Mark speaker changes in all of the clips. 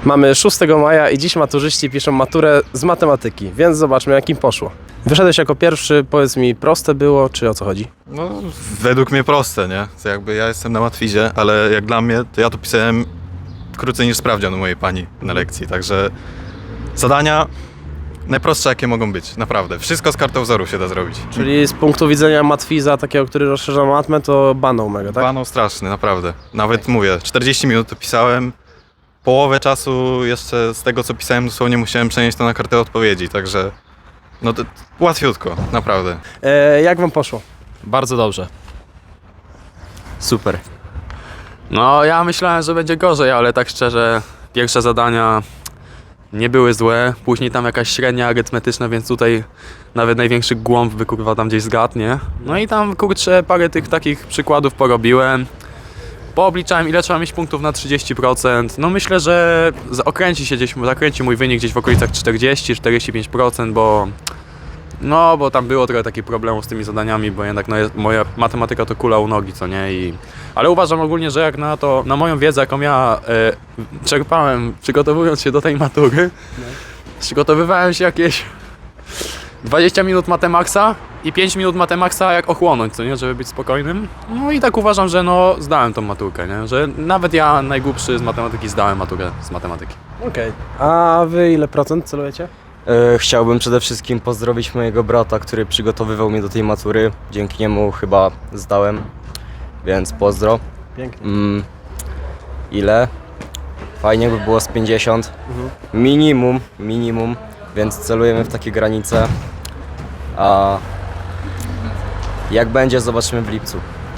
Speaker 1: Mamy 6 maja i dziś maturzyści piszą maturę z matematyki, więc zobaczmy, jak im poszło. Wyszedłeś jako pierwszy, powiedz mi, proste było, czy o co chodzi?
Speaker 2: No, według mnie proste, nie? To jakby ja jestem na matwizie, ale jak dla mnie, to ja to pisałem krócej niż sprawdzian u mojej pani na lekcji, także zadania najprostsze, jakie mogą być, naprawdę. Wszystko z kartowzoru się da zrobić.
Speaker 1: Czyli z punktu widzenia matwiza, takiego, który rozszerza matmę, to banał mega, tak?
Speaker 2: Banał straszny, naprawdę. Nawet mówię, 40 minut to pisałem, połowę czasu jeszcze z tego, co pisałem, dosłownie musiałem przenieść to na kartę odpowiedzi, także no to łatwiutko, naprawdę.
Speaker 1: Jak wam poszło?
Speaker 3: Bardzo dobrze. Super. No ja myślałem, że będzie gorzej, ale tak szczerze pierwsze zadania nie były złe. Później tam jakaś średnia arytmetyczna, więc tutaj nawet największy głąb by kurwa tam gdzieś zgadł, nie? No i tam kurczę parę tych takich przykładów porobiłem. Poobliczałem ile trzeba mieć punktów na 30%. No myślę, że zakręci mój wynik gdzieś w okolicach 40-45%, bo tam było trochę takich problemów z tymi zadaniami, bo jednak moja matematyka to kula u nogi, co nie? Ale uważam ogólnie, że jak na moją wiedzę, jaką ja czerpałem przygotowując się do tej matury, przygotowywałem się jakieś 20 minut Matemaxa i 5 minut Matemaxa jak ochłonąć, co nie? Żeby być spokojnym. No i tak uważam, że zdałem tą maturkę, nie? Że nawet ja najgłupszy z matematyki zdałem maturę z matematyki.
Speaker 1: Okej. A wy ile procent celujecie?
Speaker 4: Chciałbym przede wszystkim pozdrowić mojego brata, który przygotowywał mnie do tej matury. Dzięki niemu chyba zdałem, więc pozdro.
Speaker 1: Pięknie.
Speaker 4: Ile? Fajnie by było z 50. Minimum, więc celujemy w takie granice. A jak będzie, zobaczymy w lipcu.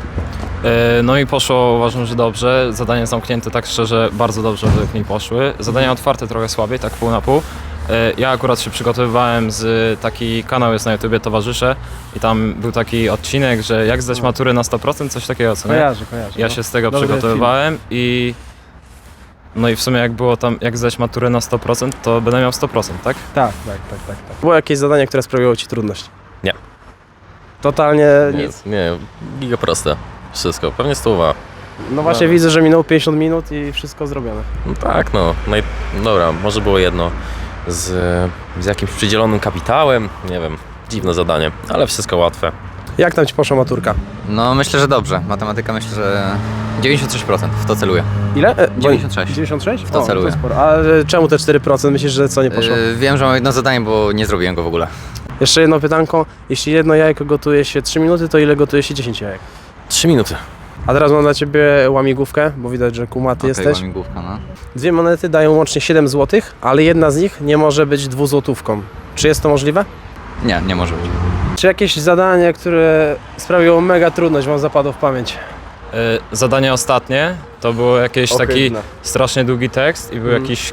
Speaker 5: No i poszło, uważam, że dobrze. Zadania zamknięte, tak szczerze, bardzo dobrze według mnie poszły. Zadania otwarte trochę słabiej, tak pół na pół. Ja akurat się przygotowywałem taki kanał jest na YouTubie Towarzysze i tam był taki odcinek, że jak zdać maturę na 100%, coś takiego, co nie?
Speaker 1: Kojarzę.
Speaker 5: Ja się z tego
Speaker 1: Dobry
Speaker 5: przygotowywałem i no i w sumie jak było tam, jak zdać maturę na 100%, to będę miał 100%, tak?
Speaker 1: Tak. Było jakieś zadanie, które sprawiło ci trudność?
Speaker 6: Nie.
Speaker 1: Totalnie nic?
Speaker 6: Nie, giga proste. Wszystko, pewnie 100.
Speaker 1: No właśnie widzę, że minęło 50 minut i wszystko zrobione.
Speaker 6: No tak, no. Dobra, może było jedno z jakimś przydzielonym kapitałem, nie wiem, dziwne zadanie, ale wszystko łatwe.
Speaker 1: Jak tam ci poszła maturka?
Speaker 7: No myślę, że dobrze. Matematyka myślę, że 96% w to celuję.
Speaker 1: Ile?
Speaker 7: 96.
Speaker 1: 96?
Speaker 7: W to celuję.
Speaker 1: To sporo. A czemu te 4%? Myślisz, że co nie poszło?
Speaker 7: Wiem, że mam jedno zadanie, bo nie zrobiłem go w ogóle.
Speaker 1: Jeszcze jedno pytanko. Jeśli jedno jajko gotuje się 3 minuty, to ile gotuje się 10 jajek?
Speaker 6: 3 minuty.
Speaker 1: A teraz mam dla ciebie łamigłówkę, bo widać, że kumaty jesteś.
Speaker 7: Łamigłówka, no.
Speaker 1: 2 monety dają łącznie 7 zł, ale jedna z nich nie może być 2-złotówką. Czy jest to możliwe?
Speaker 7: Nie może być.
Speaker 1: Czy jakieś zadanie, które sprawiło mega trudność, wam zapadło w pamięć?
Speaker 5: Zadanie ostatnie to było jakiś taki
Speaker 1: Ohydne.
Speaker 5: strasznie długi tekst i był jakiś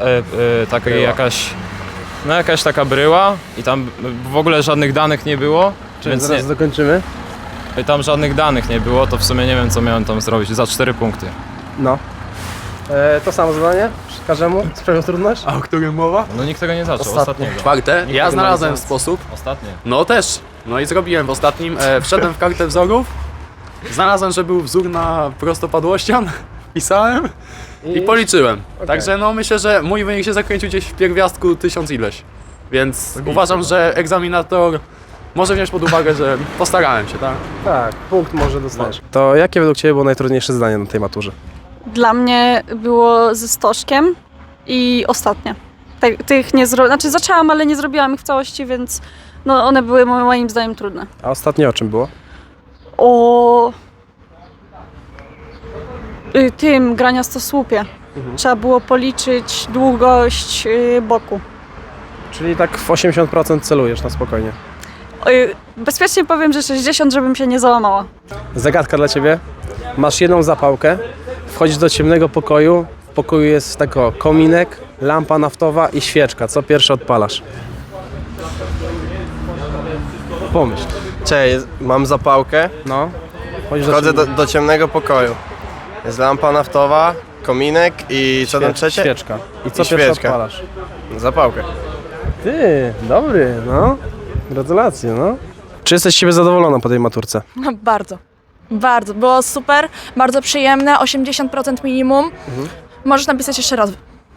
Speaker 5: jakaś taka bryła i tam w ogóle żadnych danych nie było,
Speaker 1: Więc zaraz dokończymy.
Speaker 5: tam żadnych danych nie było, to w sumie nie wiem co miałem tam zrobić, za 4 punkty.
Speaker 1: No. To samo zadanie? Każdemu sprawiło trudność?
Speaker 3: A o którym mowa?
Speaker 5: No nikt tego nie zaczął, ostatniego.
Speaker 3: Czwarte. Ja znalazłem sposób.
Speaker 5: Ostatnie.
Speaker 3: No też. No i zrobiłem w ostatnim. Wszedłem w kartę wzorów. Znalazłem, że był wzór na prostopadłościan. Pisałem i policzyłem. Także no myślę, że mój wynik się zakręcił gdzieś w pierwiastku 1000 ileś. Więc uważam, że egzaminator może wziąć pod uwagę, że postarałem się, tak?
Speaker 1: Tak, punkt może dostaniesz. To jakie według ciebie było najtrudniejsze zadanie na tej maturze?
Speaker 8: Dla mnie było ze stożkiem i ostatnie. Tych nie zrobiłam, znaczy zaczęłam, ale nie zrobiłam ich w całości, więc no one były moim zdaniem trudne.
Speaker 1: A ostatnie o czym było?
Speaker 8: O tym graniastosłupie. Trzeba było policzyć długość boku.
Speaker 1: Czyli tak w 80% celujesz na spokojnie.
Speaker 8: Bezpiecznie powiem, że 60, żebym się nie załamała.
Speaker 1: Zagadka dla ciebie. Masz jedną zapałkę, wchodzisz do ciemnego pokoju, w pokoju jest tako kominek, lampa naftowa i świeczka. Co pierwsze odpalasz? Pomyśl.
Speaker 9: Cześć, mam zapałkę,
Speaker 1: No.
Speaker 9: wchodzę do ciemnego pokoju. Jest lampa naftowa, kominek i co tam trzecie?
Speaker 1: Świeczka. I co
Speaker 9: I
Speaker 1: pierwsze
Speaker 9: świeczka.
Speaker 1: odpalasz?
Speaker 9: Zapałkę.
Speaker 1: Ty, dobry, no. Gratulacje, no. Czy jesteś z siebie zadowolona po tej maturce?
Speaker 10: No, bardzo. Było super, bardzo przyjemne, 80% minimum. Możesz napisać jeszcze raz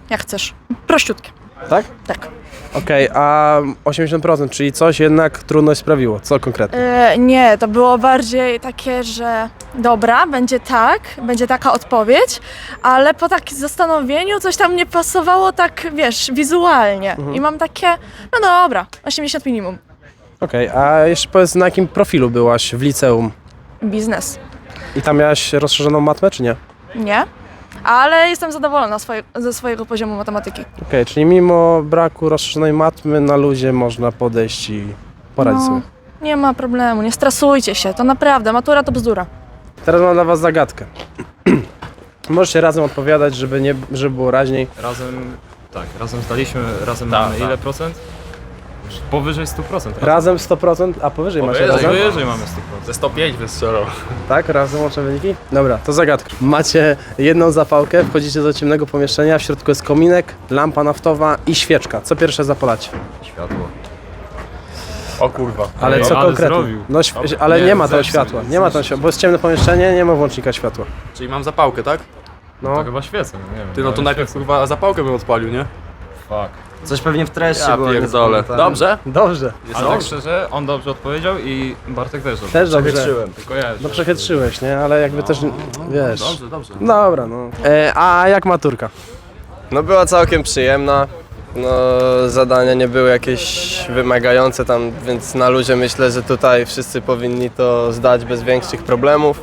Speaker 10: jak chcesz. Prościutkie.
Speaker 1: Tak?
Speaker 10: Tak.
Speaker 1: Okej, a 80%, czyli coś jednak trudność sprawiło. Co konkretnie?
Speaker 10: Nie, to było bardziej takie, że dobra, będzie taka odpowiedź, ale po takim zastanowieniu coś tam nie pasowało tak, wiesz, wizualnie. I mam takie, no dobra, 80 minimum.
Speaker 1: Okej, a jeszcze powiedz, na jakim profilu byłaś w liceum?
Speaker 10: Biznes.
Speaker 1: I tam miałaś rozszerzoną matmę, czy nie?
Speaker 10: Nie? Ale jestem zadowolona ze swojego poziomu matematyki.
Speaker 1: Okej, czyli mimo braku rozszerzonej matmy na luzie można podejść i poradzić sobie.
Speaker 10: Nie ma problemu, nie stresujcie się, to naprawdę, matura to bzdura.
Speaker 1: Teraz mam dla was zagadkę. Możecie razem odpowiadać, żeby było raźniej.
Speaker 5: Razem zdaliśmy, razem mamy ile procent? Powyżej 100%.
Speaker 1: Razem 100%, a powyżej macie razem?
Speaker 5: Powyżej mamy 100%.
Speaker 3: Ze 105 wystrzelał.
Speaker 1: Tak, razem łączę wyniki? Dobra, to zagadka. Macie jedną zapałkę, wchodzicie do ciemnego pomieszczenia, w środku jest kominek, lampa naftowa i świeczka. Co pierwsze zapalacie?
Speaker 4: Światło.
Speaker 3: O kurwa.
Speaker 1: Ale co
Speaker 5: ale
Speaker 1: konkretnie?
Speaker 5: zrobił.
Speaker 1: No, ale nie ma tam
Speaker 5: zepsuł,
Speaker 1: światła, nie ma tam światła, bo jest ciemne pomieszczenie, nie ma włącznika światła.
Speaker 3: Czyli mam zapałkę, tak?
Speaker 1: No,
Speaker 5: To chyba świecę, nie wiem.
Speaker 3: Ty, no to najpierw kurwa zapałkę bym odpalił, nie?
Speaker 5: Fuck.
Speaker 4: Coś pewnie w treści
Speaker 3: Ja
Speaker 4: było.
Speaker 3: pierdolę. Dobrze?
Speaker 1: dobrze.
Speaker 5: Ale tak szczerze, on dobrze odpowiedział i Bartek też dobrze.
Speaker 1: Też dobrze.
Speaker 5: Tylko ja
Speaker 1: No przechytrzyłeś, nie? Ale jakby też, wiesz...
Speaker 3: Dobrze.
Speaker 1: Dobra, no. A jak maturka?
Speaker 9: No była całkiem przyjemna. No zadania nie były jakieś wymagające tam, więc na luzie myślę, że tutaj wszyscy powinni to zdać bez większych problemów.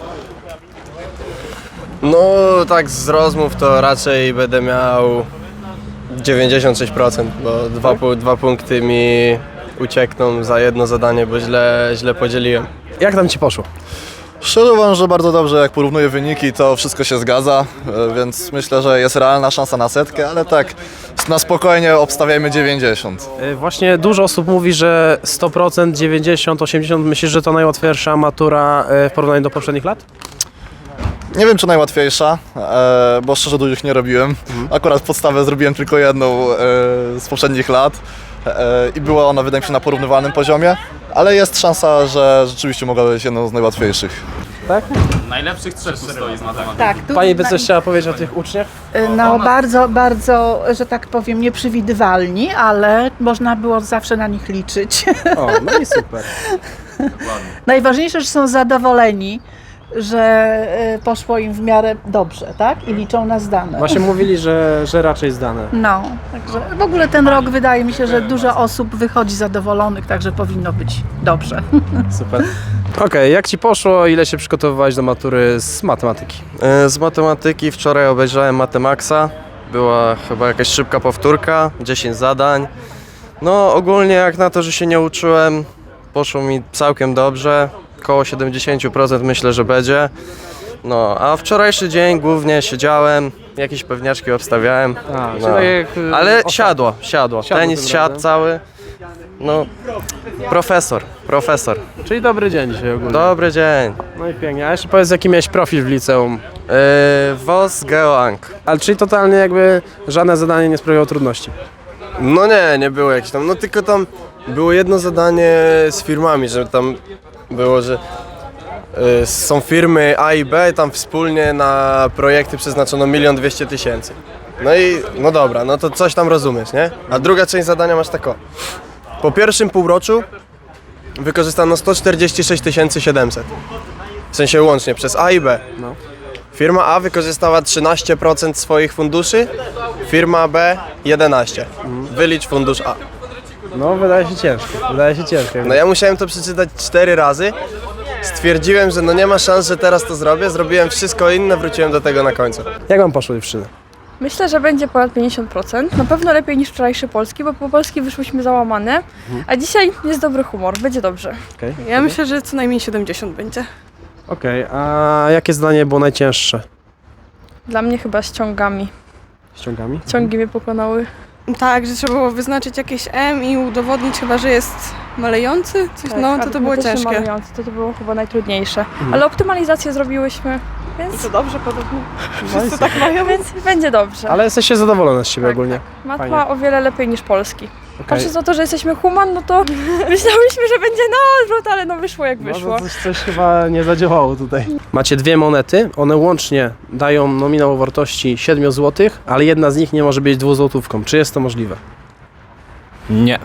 Speaker 9: No tak z rozmów to raczej będę miał 96%, bo dwa punkty mi uciekną za jedno zadanie, bo źle podzieliłem.
Speaker 1: Jak tam ci poszło?
Speaker 11: Szczerze uważam, że bardzo dobrze, jak porównuję wyniki, to wszystko się zgadza, więc myślę, że jest realna szansa na 100, ale tak na spokojnie obstawiajmy 90.
Speaker 1: Właśnie dużo osób mówi, że 100%, 90, 80. Myślisz, że to najłatwiejsza matura w porównaniu do poprzednich lat?
Speaker 11: Nie wiem, czy najłatwiejsza, bo szczerze dużych nie robiłem. Akurat podstawę zrobiłem tylko jedną z poprzednich lat i była ona, wydaje mi się, na porównywalnym poziomie, ale jest szansa, że rzeczywiście mogła być jedną z najłatwiejszych.
Speaker 1: Tak?
Speaker 3: Najlepszych trzech stoi z matematyki.
Speaker 12: Tak, tu
Speaker 1: Pani by coś chciała powiedzieć o tych uczniach?
Speaker 12: no bardzo, że tak powiem, nieprzewidywalni, ale można było zawsze na nich liczyć.
Speaker 1: O, no i super.
Speaker 12: Najważniejsze, że są zadowoleni, że poszło im w miarę dobrze, tak? I liczą na zdane.
Speaker 1: Właśnie mówili, że raczej zdane.
Speaker 12: No, także w ogóle ten rok wydaje mi się, że dużo osób wychodzi zadowolonych, także powinno być dobrze.
Speaker 1: Super. Okej, jak ci poszło? Ile się przygotowywałeś do matury z matematyki?
Speaker 9: Z matematyki wczoraj obejrzałem Matemaxa. Była chyba jakaś szybka powtórka, 10 zadań. No ogólnie jak na to, że się nie uczyłem, poszło mi całkiem dobrze. Koło 70% myślę, że będzie. No, a wczorajszy dzień głównie siedziałem, jakieś pewniaczki obstawiałem. No. Ale siadło. Tenis
Speaker 1: tym
Speaker 9: siadł
Speaker 1: razem.
Speaker 9: cały. No, profesor.
Speaker 1: Czyli dobry dzień dzisiaj ogólnie.
Speaker 9: Dobry dzień.
Speaker 1: No i pięknie. A jeszcze powiedz, jaki miałeś profil w liceum?
Speaker 9: WOS Geoang.
Speaker 1: Ale czyli totalnie jakby żadne zadanie nie sprawiało trudności.
Speaker 9: No nie było jakieś tam, no tylko tam było jedno zadanie z firmami, że tam było, że są firmy A i B, tam wspólnie na projekty przeznaczono 1 200 000. No i no dobra, no to coś tam rozumiesz, nie? A druga część zadania masz tako. Po pierwszym półroczu wykorzystano 146 700. W sensie łącznie przez A i B.
Speaker 1: No.
Speaker 9: Firma A wykorzystała 13% swoich funduszy, firma B 11%. Wylicz fundusz A.
Speaker 1: No, wydaje się ciężkie.
Speaker 9: No ja musiałem to przeczytać 4 razy. Stwierdziłem, że no nie ma szans, że teraz to zrobię. Zrobiłem wszystko inne, wróciłem do tego na końcu.
Speaker 1: Jak wam poszło dziewczyny?
Speaker 8: Myślę, że będzie ponad 50%. Na pewno lepiej niż wczorajszy polski, bo po polski wyszłyśmy załamane, a dzisiaj jest dobry humor, będzie dobrze.
Speaker 1: Okej.
Speaker 10: Ja myślę, że co najmniej 70 będzie.
Speaker 1: Okej, a jakie zdanie było najcięższe?
Speaker 8: Dla mnie chyba z ciągami.
Speaker 1: Ściągami?
Speaker 8: Ciągi mnie pokonały.
Speaker 10: Tak, że trzeba było wyznaczyć jakieś M i udowodnić chyba, że jest malejący. Coś, no to było ciężkie.
Speaker 8: To było chyba najtrudniejsze. Ale optymalizację zrobiłyśmy, więc
Speaker 10: To dobrze podobno.
Speaker 1: No i super.
Speaker 10: Tak mają.
Speaker 8: więc będzie dobrze.
Speaker 1: Ale jesteście zadowolone z siebie ogólnie.
Speaker 8: Matma
Speaker 1: Fajnie.
Speaker 8: o wiele lepiej niż polski. Patrząc na to, że jesteśmy human, no to myślałyśmy, że będzie na odwrót, ale no wyszło jak wyszło.
Speaker 1: No, coś chyba nie zadziałało tutaj. Macie dwie monety, one łącznie dają nominał o wartości 7 zł, ale jedna z nich nie może być 2 złotówką. Czy jest to możliwe?
Speaker 5: Nie.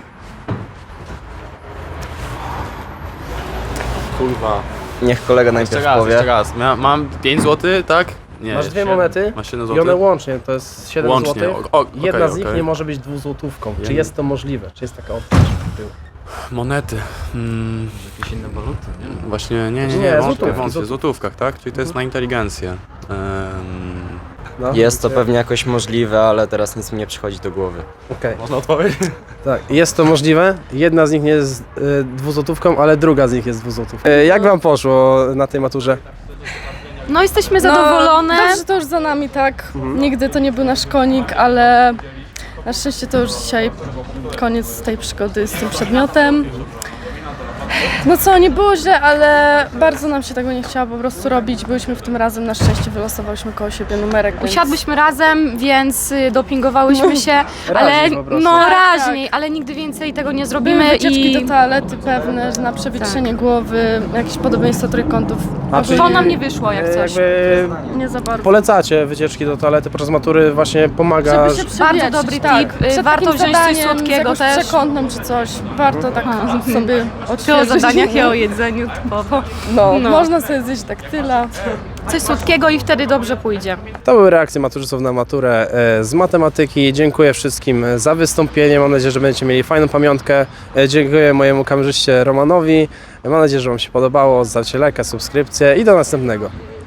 Speaker 3: Kurwa.
Speaker 4: Niech kolega najpierw powie.
Speaker 3: Jeszcze raz. Mam 5 zł, tak? Nie.
Speaker 1: Masz dwie monety
Speaker 3: Masz 7
Speaker 1: i one
Speaker 3: zł?
Speaker 1: łącznie to jest 7
Speaker 3: Łącznie.
Speaker 1: zł. Jedna z nich nie może być 2 złotówką. Czy jest to możliwe? Czy jest taka opcja?
Speaker 3: Monety.
Speaker 5: Jakieś inne waluty?
Speaker 3: Właśnie, nie,
Speaker 1: złotówki,
Speaker 3: w złotówkach, tak? Czyli to jest na inteligencję.
Speaker 1: No,
Speaker 4: Jest to pewnie jakoś możliwe, ale teraz nic mi nie przychodzi do głowy.
Speaker 1: Okej.
Speaker 3: Można odpowiedzieć?
Speaker 1: Tak, jest to możliwe. Jedna z nich nie jest 2 złotówką, ale druga z nich jest 2 złotówką. Jak wam poszło na tej maturze?
Speaker 8: No jesteśmy zadowolone.
Speaker 10: Dobrze, to już za nami, tak. Nigdy to nie był nasz konik, ale na szczęście to już dzisiaj koniec tej przygody z tym przedmiotem. No co, nie było źle, ale bardzo nam się tego nie chciało po prostu robić. Byliśmy w tym razem, na szczęście wylosowałyśmy koło siebie numerek. Więc...
Speaker 8: Usiadłyśmy razem, więc dopingowałyśmy się, ale
Speaker 1: Raźniej po prostu.
Speaker 8: no
Speaker 10: Tak,
Speaker 8: raźniej, ale nigdy więcej tego nie zrobimy
Speaker 10: Były wycieczki
Speaker 8: i
Speaker 10: do toalety pewne, że na przewietrzenie głowy, jakieś podobieństwo trójkątów.
Speaker 1: A, czyli
Speaker 8: to nam nie wyszło jak coś.
Speaker 1: jakby
Speaker 10: Nie za bardzo.
Speaker 1: polecacie wycieczki do toalety podczas matury, właśnie pomaga.
Speaker 10: Żeby się
Speaker 8: Bardzo
Speaker 10: przewietrzyć,
Speaker 8: dobry
Speaker 10: tak.
Speaker 8: tip.
Speaker 10: Przed
Speaker 8: Warto
Speaker 10: takim
Speaker 8: wziąć coś
Speaker 10: zadaniem
Speaker 8: słodkiego
Speaker 10: z jakąś
Speaker 8: też.
Speaker 10: przekątną czy coś. Warto tak sobie
Speaker 8: O
Speaker 10: odświeżyć.
Speaker 8: zadaniach i o jedzeniu typowo.
Speaker 10: No,
Speaker 8: No.
Speaker 10: można sobie zjeść daktyla.
Speaker 8: Coś słodkiego i wtedy dobrze pójdzie.
Speaker 1: To były reakcje maturzystów na maturę z matematyki. Dziękuję wszystkim za wystąpienie. Mam nadzieję, że będziecie mieli fajną pamiątkę. Dziękuję mojemu kamerzyście Romanowi. Mam nadzieję, że wam się podobało. Zostawcie lajka, subskrypcję i do następnego.